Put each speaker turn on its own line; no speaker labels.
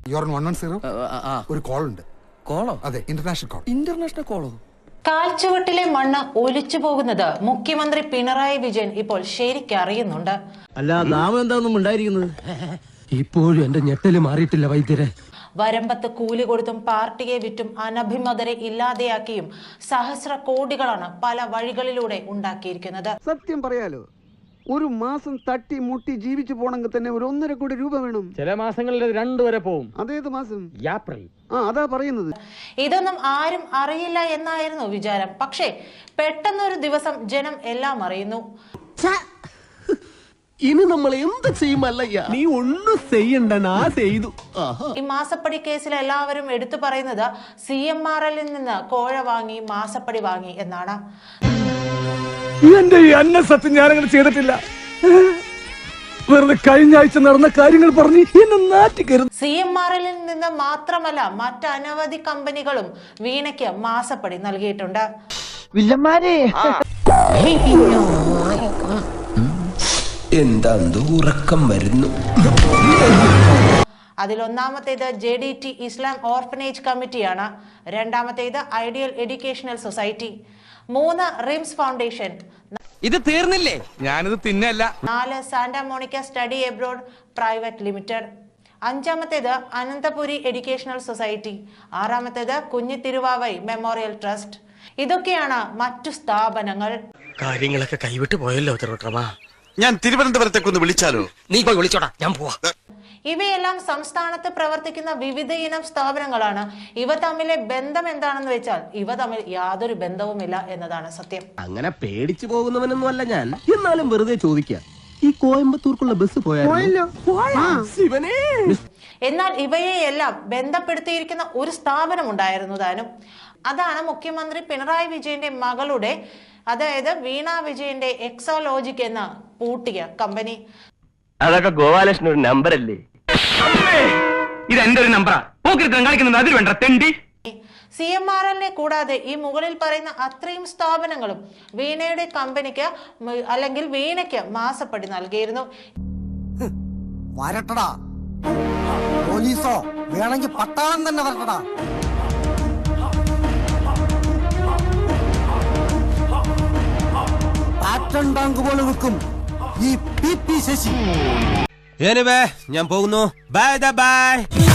ഒരു കോൾ ഉണ്ട്.
കോളോ?
അതെ, ഇന്റർനാഷണൽ കോൾ.
ഇന്റർനാഷണൽ കോളോ?
കാൽച്ചുവട്ടിലെ മണ്ണ് ഒലിച്ചു പോകുന്നത് മുഖ്യമന്ത്രി പിണറായി വിജയൻ ഇപ്പോൾ ശരിക്കറിയുന്നുണ്ട്.
അല്ല, നാം എന്താണെന്നും ഉണ്ടായിരിക്കുന്നത്. ഇപ്പോഴും എന്റെ ഞെട്ടല് മാറിയിട്ടില്ല വൈദ്യരെ.
വരമ്പത്ത് കൂലി കൊടുത്തും പാർട്ടിയെ വിറ്റും അനഭിമതരെ ഇല്ലാതെയാക്കിയും സഹസ്ര കോടികളാണ് പല വഴികളിലൂടെ ഉണ്ടാക്കിയിരിക്കുന്നത്.
സത്യം പറയാലോ, ഒരു മാസം തട്ടി മുട്ടി ജീവിച്ചു പോണെങ്കിൽ തന്നെ ഒരു 1.5 കോടി രൂപ വേണം.
ചില മാസങ്ങളിൽ 2 വരെ പോവും.
അതേത് മാസം?
ഏപ്രിൽ.
അതാ പറയുന്നത്.
ഇതൊന്നും ആരും അറിയില്ല എന്നായിരുന്നു വിചാരം. പക്ഷേ പെട്ടെന്നൊരു ദിവസം ജനം എല്ലാം അറിയുന്നു.
ഇനി നമ്മൾ എന്ത് ചെയ്യുമല്ലയ്യ? നീ ഒന്നും ചെയ്യണ്ട, ചെയ്തു.
ഈ മാസപ്പടി കേസിൽ എല്ലാവരും എടുത്തു പറയുന്നത് CMRL നിന്ന് കോഴ വാങ്ങി മാസപ്പടി വാങ്ങി എന്നാണ്.
എന്റെ ഈ അന്നസത്യം ഞാനങ്ങനെ ചെയ്തിട്ടില്ല. വെറുതെ കഴിഞ്ഞ ആഴ്ച നടന്ന കാര്യങ്ങൾ പറഞ്ഞ് എന്നെ നാറ്റിക്കരുത്.
CMRL നിന്ന് മാത്രമല്ല മറ്റനവധി കമ്പനികളും വീണയ്ക്ക് മാസപ്പടി നൽകിയിട്ടുണ്ട്.
എന്താ ഉറക്കം വരുന്നു.
അതിലൊന്നാമത്തേത് JDT ഇസ്ലാം ഓർഫനേജ് കമ്മിറ്റിയാണ്. രണ്ടാമത്തേത് ideal educational society. 3 RIMS foundation.
ഇത് തീർന്നില്ലേ?
ഞാനിത് തിന്നല്ല.
4 Santa Monica study abroad private limited. 5ാമത്തേത് അനന്തപുരി എഡ്യൂക്കേഷണൽ സൊസൈറ്റി. 6ാമത്തേത് കുഞ്ഞിത്തിരുവാവൈ മെമ്മോറിയൽ ട്രസ്റ്റ്. ഇതൊക്കെയാണ് മറ്റു സ്ഥാപനങ്ങൾ.
കാര്യങ്ങളൊക്കെ കൈവിട്ട് പോയല്ലോ തിരുവട്ടമാ.
ഞാൻ തിരുവനന്തപുരത്തേക്കൊന്ന് വിളിച്ചാലോ?
നീ പോയി വിളിച്ചോടാ, ഞാൻ പോവാ.
ഇവയെല്ലാം സംസ്ഥാനത്ത് പ്രവർത്തിക്കുന്ന വിവിധ ഇനം സ്ഥാപനങ്ങളാണ്. ഇവ തമ്മിലെ ബന്ധം എന്താണെന്ന് വെച്ചാൽ ഇവ തമ്മിൽ യാതൊരു ബന്ധവുമില്ല എന്നതാണ് സത്യം.
അങ്ങനെ പേടിച്ചു പോകുന്നവനൊന്നും അല്ല ഞാൻ. എന്നാലും വെറുതെ ചോദിക്കാം, ഈ കോയമ്പത്തൂർക്കുള്ള ബസ് പോയാലോ?
എന്നാൽ ഇവയെയെല്ലാം ബന്ധപ്പെടുത്തിയിരിക്കുന്ന ഒരു സ്ഥാപനം ഉണ്ടായിരുന്നു താനും. അതാണ് മുഖ്യമന്ത്രി പിണറായി വിജയന്റെ മകളുടെ, അതായത് വീണ വിജയന്റെ എക്സോലോജിക് എന്ന പൂട്ടിയ കമ്പനി.
അതൊക്കെ ഗോപാലകൃഷ്ണൻ ഒരു നമ്പർ അല്ലേ? ഇത് എന്റെ ഒരു നമ്പറാ. കാണിക്കുന്നത് അതിൽ വേണ്ട തെണ്ടി.
CMRL-നെ കൂടാതെ ഈ മുകളിൽ പറയുന്ന അത്രയും സ്ഥാപനങ്ങളും വീണയുടെ കമ്പനിക്ക് അല്ലെങ്കിൽ വീണയ്ക്ക് മാസപ്പടി നൽകിയിരുന്നു.
വരട്ടടാ പോലീസോ, വേണമെങ്കിൽ പട്ടാളം തന്നെ വരട്ടടാ. പാറ്റൺ ടാങ്ക് പോലെ നിൽക്കും ഈ PP ശശി.
ഞാൻ പോകുന്നു. Bye by.